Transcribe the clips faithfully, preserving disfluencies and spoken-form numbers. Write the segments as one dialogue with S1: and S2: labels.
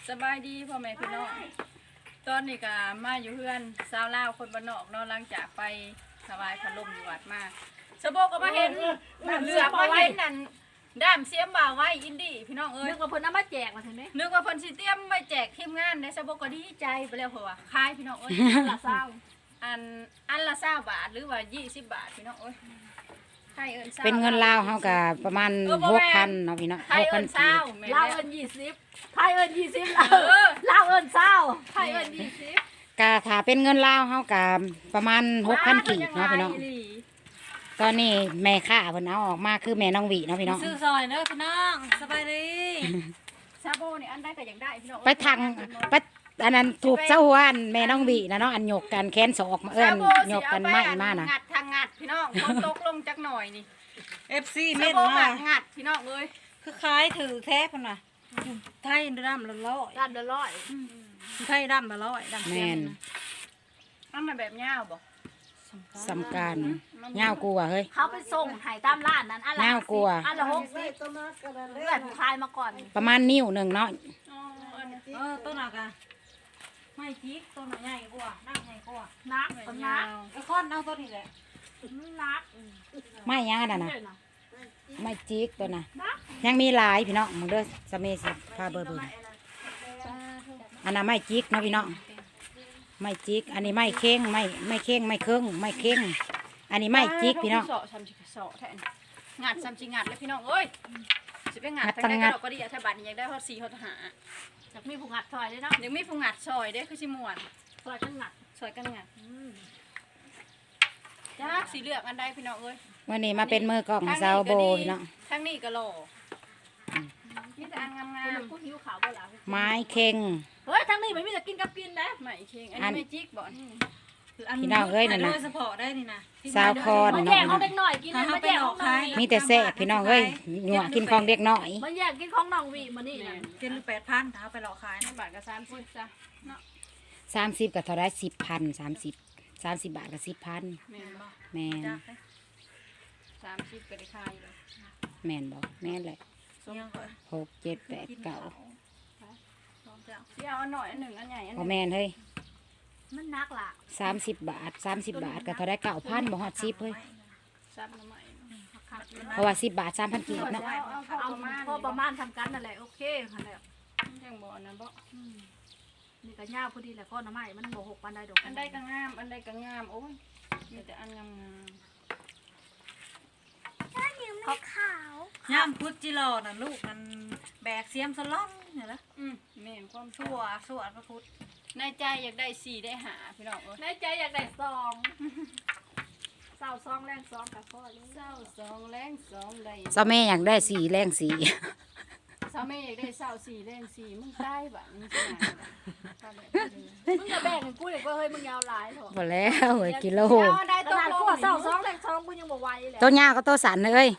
S1: สบายดีพ่อแม่พี่น้องตอนนี้ก็มาอยู่เพื่อนสาวลาวคนบ้านนอกเนาะหลังจากไปถวายพัดลมอยู่วัดมาสะโบก็มาเห็นเหลือมาเห็นนั่นด้ามเสียมบ่าวไว้อินดี้พี่น้องเอ้ย
S2: นึกว่าเพิ่นเอามาแจกมาเห็นไหม
S1: นึกว่าเพิ่นสิเตรียมไว้แจกทีมงานได้สะโบก็ดีใจไปแล้วเพราะว่าขายพี่น้องเอ้ยละเศร้าอันอันละเศร้าบาทหรือว่ายี่สิบบาทพี่น้องเอ้ย
S3: เป็นเงินลาวเฮาก็ประมาณหกพันเนาะพี่เนาะหกพันกีบ
S2: ลาวเอิ้นยี่สิบไทยเอิ้นยี่สิบลาวเอิ้นเศร้าไทยเอิ้นยี่สิบ
S3: ก็ถ้าเป็นเงินลาวเฮาก็ประมาณหกพันกีบเนาะพี่น้องตอนนี้แม่ค้าเพิ่นเอาออกมาคือแม่น้องหวีเนาะพี่น้อง
S2: ซื้อซอยเด้อพี่น้องสบายดี
S1: ซาโบนี่อันได้ก็ยังได้พี่น้อง
S3: ไปทางไปอันนั้นถูกเจ้าหัวแม่น้องหวีนะเนาะอันหยกกันแค้นศอกมาเอิ้นหยกกันไม้มาน่ะ
S1: งัดทางงัดพี่น้องคนตกลงจักหน่อยนี่
S2: เอฟ ซี เม็ด
S1: มางัดพี่น้องเอ้ย
S2: คือคล้ายถือแท้พุ่นน่ะไทยดำละร้อยดำละร้อยไทยดำละร้อยดำแม่น
S1: อันมันแบบยาวบ่
S3: สำคัญยาวกลัวเฮ้ย
S2: เขาไปส่งให้ตามร้านนั้นอันละ
S3: ยาวกลัว
S2: อันละหกสิบเลือดคลายมาก่อน
S3: ประมาณนิ้วนึงเนาะ
S2: เออต้นหนักอะไม่จิกต้นหนักใหญ่กว่านักใหญ่กว่านักต้นนักไอ้ค้อนเอาต้นนี้แหละนัก
S3: ไม่ยังน่ะนะไม่จิกตัวน่ะยังมีหลายพี่น้องมึงเด้อสเมสิพาเบอร์เบอร์อันนั้นไม่จิกเนาะพี่น้องไม่จิกอันนี้ไม่เข่งไม่ไม่เข่งไม่เครื่องไม่เข่งอันนี้ไม่จิกพี่น้อง
S1: งัดซ้ำจิงัดเลยพี่น้องเอ้ยจะไปงัดทั้งได้ก็ดีอ่ะถ้าบัตรยังได้ฮอดสี่ฮอดห้า
S2: จะมีผู้งัดซอยด้วยเนาะ
S1: ยังมีผู้งัดซอยเด้คือชิมวน
S2: ซอยกันงัด
S1: ซอยกันงัดจ้าสีเหลืองอันใดพี่น้องเอ้ย
S3: วันนี้มาเป็นมือกล้องซาวโบพี่น้อง
S1: ทั้งนี้ก็หล่อมีแต่อันงาม
S2: ๆผู้หิวขาวบ่ล่ะ
S3: ไม้เข่ง
S2: เฮ้ยทั้งนี้ไม่มีแต่กินกับกินนะ
S1: ไม้เข่งอันนี้ไม่จิกบ่
S3: พี่น้องเอ้ยนั่นนะสาวคอน
S2: เนาะแยกของเด็กหน่อยกินเลยมาแยกของน้อย
S3: มีแต่แซ่บพี่น้องเอ้ยหนัวกินของเด็กน้อย
S2: มันแยกกินของน้องวีมานี่
S1: กินแปดพันถ้าไปหลอกขายบาทกับสามสิบจ้ะเนาะ
S3: สามสิบกับเท่าไรสิบพันสามสิบสามสิบบาทกับสิบพันแม่น
S1: สามสิบก็ได้ขายเลย
S3: แม่นบอกแม่นเลยหกเจ็ดแปดเก้า
S1: เดี๋ยวอันหน่อยอันหนึ่งอันใหญ่อัน
S3: พอแม่นเฮ้ย
S2: มันนักล่ะ
S3: สามสิบบาทสามสิบบาทกับเท่าไรเก้าพันบ่ฮอดสิบเฮ้ยเพราะว่าสิบบาทสามพันกีบเนาะ
S2: เอาพอประมาณทำกันนั่นแหละโอเคค่ะแล้ว
S1: ยังบ่อันนั้นบ่
S2: นี่ก็ยาวพอดีแหละก้อนน้ำไม้มันบ่หกปันได้ดอก
S1: อันใดก็งามอันใดก็งามโอ้ยมีแต่อันงามงาม
S2: ขาวขาวย่ามพุทธจิโร่น่ะลูกมันแบกเสียมสล่องเนี่ยละ
S1: อืมแม่นความ
S2: ชั่วชั่วพระพุทธ
S1: ในใจอยากได้สี่ได้หาพี่น้องเอ้ย
S2: ในใจอยากได้สองเศร้าสองแรงสองกับพ่อ
S1: เศร้าสองแรงสองได้
S3: เศร้าแม่อยากได้สี่แรงสี่
S1: เศร้าแม่อยากได้เศร้าสี่แรงสี่มึงใต้บ้านมึงจะไหน
S2: มึงจะแบ่งกูเลยว่าเฮ้ยมึงยาวหลายเถอะ
S3: หมดแล้วเฮ้ยกิโล
S2: ได้ตัวกูเศร้าสองแรงสองกูยังบ่ไหวเลย
S3: ตัวยาวก็ตัวสันเลย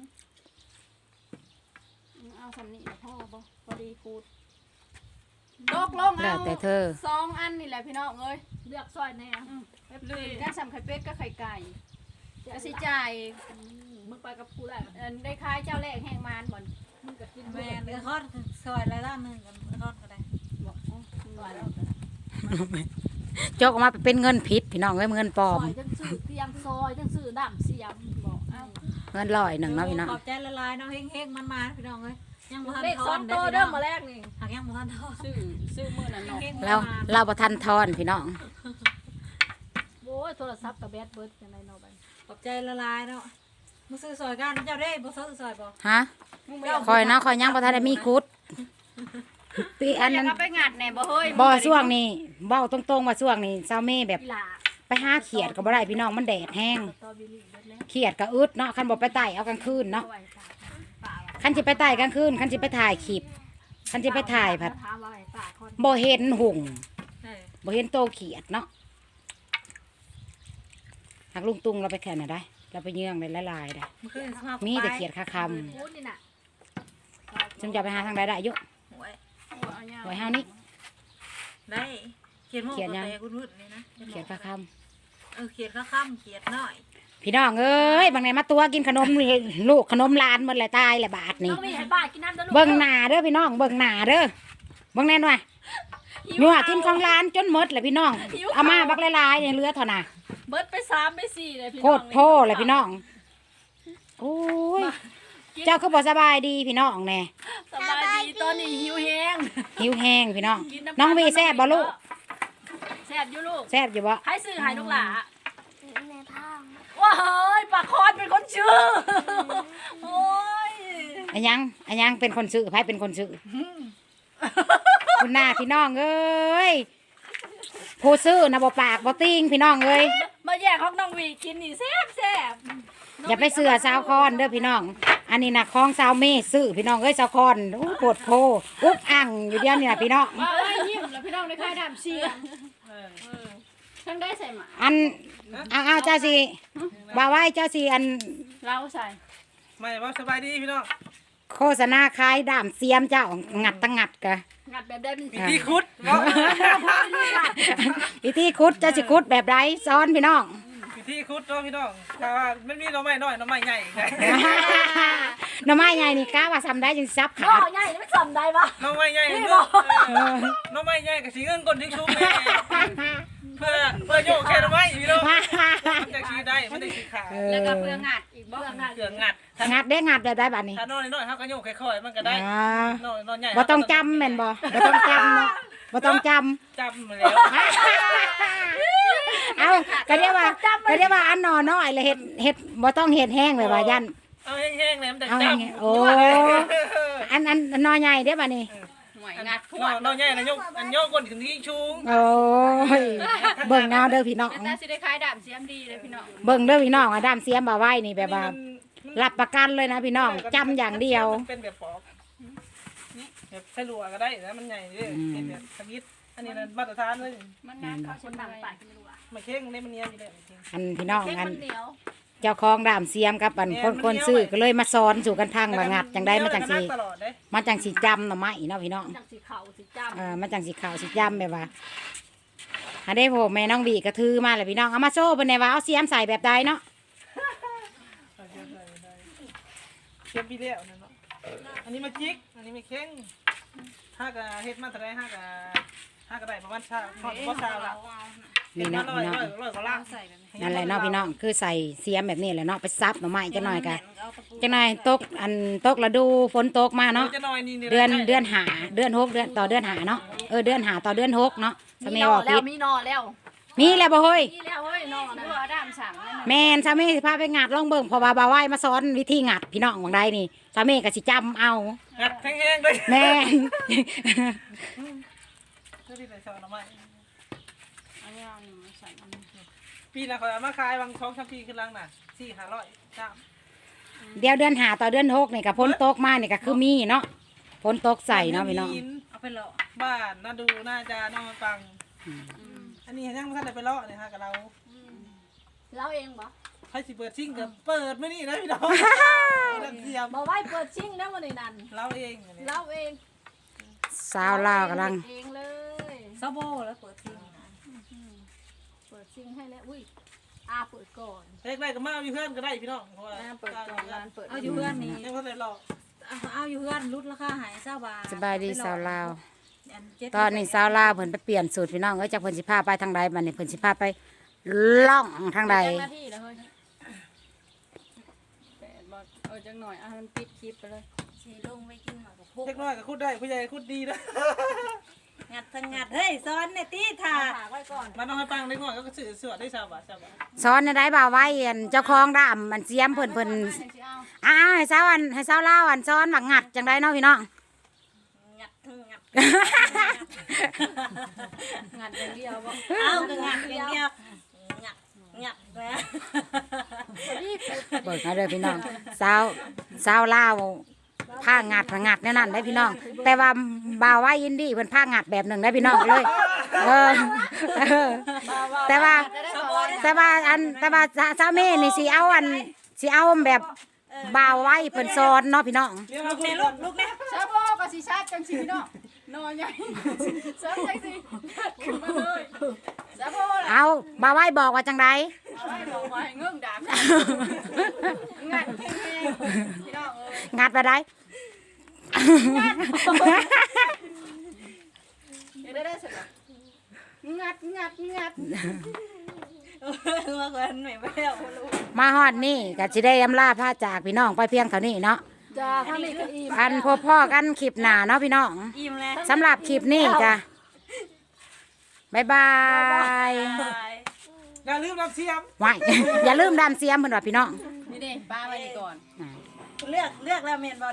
S1: เอาสำนีพ่อบ่พอดีคูดลกลงเอา
S3: แต่เธอ
S1: สองอันนี่แหละพี่น้องเอ้ย
S2: เลือกซอยแน่
S1: ลืมกันสำไข่เป็ดก็ไข่ไก่กระสิจ่าย
S2: มึงไปกับกูแหละ
S1: ได้คล้ายเจ้าแรกแห้งมานบ่อน
S2: มึงก็กินแม่เนื้อทอดซอยอะไรล่ะนึงกันทอดก็ได้บอกซอยแล้ว
S3: จกออกมาเป็นเงินผิดพี่น้องเอ้ยเงินปลอม
S2: จังซื้อเตียงซอยจังซื้อน้ำเสียมบอกเอ้า
S3: เงินลอยหนึ่งเนาะพี่น้อง
S2: ขอบใจละลายเนาะเฮงๆมันมาพี่น้องเอ้ยยังบ่ทันทอนเด้อเด้อมาแรกนี่หากยังบ่ทันทอน
S1: ซื้อซื้อมื้อนั้นเนาะ
S3: แล้วเราบ่ทันทอนพี่น้อง
S2: โอ้ยโทรศัพท์กับแบตเบิดจังได๋เนาะบัดขอบใจละลายเนาะมึงซื้อซอยกันเจ้าได้บ่ซื้อซอยบ่
S3: ฮะคอยนะคอยยังบ่ทันได้มีคุดปีอันนั้น
S1: ไปงัดแหน่บ่เฮ้ย
S3: บ่ช่วงนี้เว้าตรงๆว่าช่วงนี้เซาเม่แบบไปหาเขียดก็บ่ได้พี่น้องมันแดดแห้งเขียดก็อึดเนาะคันบ่ไปไต่เอากลางคืนเนาะคันสิไปไต่กลางคืนคันสิไปถ่ายคลิปคันสิไปถ่ายผัดบ่เห็นหุ่งบ่เห็นโตเขียดเนาะหากลุงตุงเราไปแข่งน่ะได้เราไปเยื่องเลยละลายได้มีแต่เขียดคาคำจำจะไปหาทางใดได้ยุหวยเฮานี่
S2: ได้เขียดโม่
S3: ยังเขียดคาค
S2: ำเออเขียดคาคำเขียดน้อย
S3: พี่น้องเอ้ยบางไหนมาตัวกินขนมลูกขนมลานหมดเลยตายเลยบาทนี่เบิ่งหนาเด้อพี่น้องเบิ่งหนาเด้อเบิ่งแน่นว่ะนัวกินของร้านจนหมดเลยพี่น้องเอามาบักหลายๆอย่างเหลือเท่าน่ะ
S1: เบิดไปสามไปสี่เลยพี่
S3: โค
S1: น้อง
S3: ตรโพเลยพี่น้องโอ้ยเจ้าคือบ่สบายดีพี่น้องแน่
S1: สบายดีตอนนี้หิวแห้ง
S3: หิวแห้งพี่น้อง
S1: กิำ
S3: น้องวีแซ่บบ่ลูก
S1: แซ่บอยู่ลูก
S3: แซ่บอยู่บ่
S1: ให้ซื้อให้ลูกหล่า
S4: ในผ้า
S1: ว้าเฮ้ยปากคอนเป็นคนชื่อโอ้ย
S3: อันยังอันยังเป็นคนซื้อไผเป็นคนซื้อคุณหน้าพี่น้องเอ้ยผู้ซื้อนะบ่ปากบ่ติ้งพี่น้องเอ้ย
S1: มาแย่งของน้องวีกินนี่แซ่บแซ่บ
S3: อย่าไปเสือสาวคอนเด้อพี่น้อง อันนี้นะของสาวเมซื้อพี่น้องเอ้ยสาวคอนโอ้โคตรโพอุ๊บอั่งอยู่เดียวนี่นะพี่น้อง
S1: มาไล่ยิ้มแล้วพี่น้องในค่ายดำเชียงทั้งได้ใส่หมา
S3: อันเอาเอาเจ้าสิว่าไว้เจ้าสิอัน
S1: เราใส่
S5: ไม่ว่าสบายดีพี่น้อง
S3: โฆษณาขายดามเสียมเจ้างัดตั้งงัดกะ
S1: งัดแบบได้เป็น
S5: วิธีคุดเนาะ
S3: วิธีคุดเจ้าสิคุดแบบไรซ้อนพี่น้อง
S5: วิธีคุดเนาะพี่น้องถ้าว่ามันมีหน่อไม้น้อยหน่อไม้ใหญ่ไง
S3: หน่อไม้ใหญ่นี่กะว่าทำได้จึงซับ
S1: พ่
S3: ขา
S1: อ
S3: ด
S1: ใหญ่ไม่สำได้ปะ
S5: หน่อไม้ใหญ่เนอะเออหน่อไม้ใหญ่กับสีเงินก้นทิ้งชุ่มแม่เพื่อเพื่อโยกแค่หน่อไม้พี่น้องมันจะขี้ได้มันจะขี้ขาด
S3: เอ
S1: แล้วก็
S3: อ
S1: เปลืองงัดอีกบ่
S5: เพื่อเกลืองัด
S3: งัดได้งัดแบบได้บัดนี้
S5: ถ้านอนน้อยๆเขาก็โยกค่อยๆมันก็ได้
S3: อ่าน
S5: อนนอนใหญ่
S3: บ่ต้องจำแม่นบ่บ่ต้องจำเนาะบ่ต้องจำ
S5: จำมาแล้ว
S3: เอาก็เรียกว่าก็เรียกว่าอันหนอน้อยเลยเฮ็ดเฮ็ดบ่ต้องเฮ็ดแห้งเลยว่ายัน
S5: เอาแห้งๆเลยมันจะ
S3: เอา
S5: จ
S3: แห้ง
S5: ำ
S3: ๆโอ้อันอันอันหนอใหญ่เด้อบัดนี้
S1: หวยงัดพ
S5: น
S1: ว
S5: อก นนอนใหญ่นะโยกอันโยกก้นถึงที่ชุ่ม
S3: โอ้ยเบิ่งเอาเด้อพี่น้อง
S1: แต่สิได้ขายดำเสียมดีเลยพี่น้อง
S3: เบิ่งเด้อพี่น้องอะดามเสียมบ่าไว้นี่แบบว่ารับประกันเลยนะพี่น้องจำอย่างเดียว
S5: มันเป็นแบบปอกแบบใส่ลัวก็ได้นะมันใหญ่เลยเป็นแบบสวิตอันนี้มันมาตรฐานเลย
S1: มันงานเขาคนดังปากกินรัว
S5: มาเค้งได้มันเนียนอยู่แล้วจริง
S3: อันพี่น้อง
S1: เค้ก
S3: อัน
S1: มันเหนียว
S3: เจ้าของดามเสียมกับอันคนคนซื้อก็เลยมาสอนสู่กันพังว่างัดจังได้มาจังสิ
S5: ตลอดเลย
S3: มาจังสิจำหน่อไม้เนาะพี่น้อง
S1: จากสีขาวสีจ
S3: เออมาจังสิขาวสิจำแบบว่าอันได้โผล่แม่น้องบีกระทือมาเลยพี่น้องเอามาโซ่เป็นไงว่าเอาเสียมใส่แบบใดเนาะ
S5: เก็บปีเดียวนั่นเนาะอันนี้มาจิกอันนี้มาเค้งห้ากะเฮ็ดมาเท่าไรห้ากะห้ากะได้ประมาณชาทอดก็ชาละ
S3: นี่เนาะ
S5: ร้อ
S3: พี่
S5: ย
S3: น้อง
S5: ร้อยร้อยกว่าล่าง
S3: นั่นแหละเนาะพี่น้องคือใส่เสียมแบบนี้แหละเนาะไปซับหน่อไม้จังหน่อยกะจังหน่อยตกอันตกฤดูฝนตกมาเนาะ
S5: จะน้อยนี่
S3: เดือนเดือนหาเดือนหกเดือนต่อเดือนหาเนาะเออเดือนหาต่อเดือนหกเนาะ
S1: ำ
S3: สา
S1: มี
S3: มี
S1: นอ
S3: บอก
S1: แล้
S3: ผิ
S1: ว
S3: ด
S1: มีนอแล้ว
S3: มีแล้วบ่เฮ้ย
S1: มีแล้วเฮ้ยนอนะดำสั่งนั่นน่ะ
S3: แม่นสามีสิพาไปงัดลองเบิ่งเพอว่าบ่าวไหว้มาสอนวิธีงัดพี่น้องบางใดนี่สามีก็สิจำเอา
S5: งัดแห้งๆเลย
S3: แม่น
S5: เพื่อที่จะสอนเอาไว้
S1: อันนี้เอาหนึ่งมาใส่อันนี้
S5: ปีน่ะเขาเอามาขายบางช่องชัมพีขึ้นล่างน่ะสี่ห้าร้อยจ้า
S3: เดี๋ยวเดือนหาต่อเดือนหกนี่ก็ฝนตกมานี่ก็คือมีเนาะฝนตกใส่เนาะพี่น้อง
S1: เอาไปเลาะ
S5: บ้านน่าดูน่าจะน้องมาฟัง อันนี้ยังไม่ทันได้ไปเลาะเลยฮะกับเรา
S1: เราเองบ่
S5: ให้สิเปิดซิ่งกับเปิดไม่นี่นะพี่น้องเรื่องเสียม
S1: บ่ไว้เปิดชิงแล้ววันนี้นั่น
S5: เราเองอันนี้
S1: เราเอง
S3: สาวลาวกำลัง
S1: เองเลย
S2: ซาโบแล้วเปิดทิ้งนะ
S1: เปิดชิงให้แล้วอุ้ยอาเปิดก่อน
S5: เล็กได้ก็มาเอาอยู่เพื่อนก็ได้พี่น้องเพราะว่า
S1: อาเปิดก่อนร้านเปิด
S2: เอาอยู่เพื่อนนี่
S5: ยังไม่ทันได้เลาะ
S2: เอาเอาอยู่เพื่อนลดราคาใหายเศร้าบาท
S3: สบายดีสาวลาว
S2: อันเจ็ด
S3: ตอนนี้สาวลาวเพิ่นไปเปลี่ยนสูตรพี่น้องเอ้ยจากเพิ่นสิพาไปทางใดบัดนี้เพิ่นสิพาไปล่องทางใด
S1: จังหน้าที่แล้วเฮ้ยแปดบอเออจังหน่อยอ่ะมันปิดคลิปไปเลย
S2: สีลงไปกินหมากกับพวก
S5: เล็กน้อยก็คุดได้ผู้ใหญ่ก็คุดดีนะ
S2: งัดทั้งงัดเฮ้ยซ้อนเนี่ยตีถ่า
S1: ฝากไว้ก่อน
S5: มาน้องให้ปังเล็กน้อยก็สื่อสวดได้ชาวบ้านชาวบ้าน
S3: สอนในได้บ่าวไว้อันเจ้าของดามมันเสียมเพิ่นเพิ่น
S1: จังสิเอา
S3: อ้าวให้สาวอันให้สาวลาวอันสอนว่างัดจังไดเนาะพี่น้อง
S2: งัดทั้งงัด
S1: งัดอย่างเดียวบ่
S2: เอาก็งัดอย่างเดียวงัดงัดนะ
S1: นี่คือ
S3: เปิดเอาเด้อพี่น้องสาวสาวลาวผ้างัดผ้างัดแน่นั่นได้พี่น้อง แต่ว่าบ่าวไว้อินดี้เพิ่นผ้างัดแบบหนึ่งได้พี่น้องเลยเออเออแต่ว่า แต่ว่าอันแต่ว่าสาวเมย์นี่สิเอาอันสิเอาแบบบ่าวไว้เพิ่นสอนเนาะพี่น้อง
S5: เรียกมา
S2: ลูก
S5: คุ
S2: แม่
S5: ด
S2: ลูกลูกแม่
S1: ชาโบก็สิชาติจังสิเนาะนอนใหญ่เสริมจังสิขึ้นมาเลยชาโบล่ะ
S3: เอาบ่าวไว้บอกว่าจังได
S1: เอาไว้บอกว่าให้เงื่องดามงัดแข็งๆพี่น้องเอ้ย
S3: งัดไปได้
S1: งได้ได้เสร็จแล้วงัดงัดงัด
S2: เออมาก่อนหน่อยไปแล้วลูก
S3: มาฮอดนี่ก็สิได้อำลาพาจากพี่น้องไปเพียงเท่านี้เนาะ
S1: จ้าถ้ามีก็อีก
S3: อันพบพ่อกันคลิปหน้าเนาะพี่น้อง
S2: อิ่มแล้ว
S3: สำหรับคลิปนี้จ้ะบ๊ายบาย
S5: อย่าลืมรับเสียม
S3: ไว้ อย่าลืมดามเสียมเพิ่นว่าพี่น้อง
S1: นี่เด้ป้าไว้นี่ก่อน
S2: เลือกเลือกแล้วเมนบอล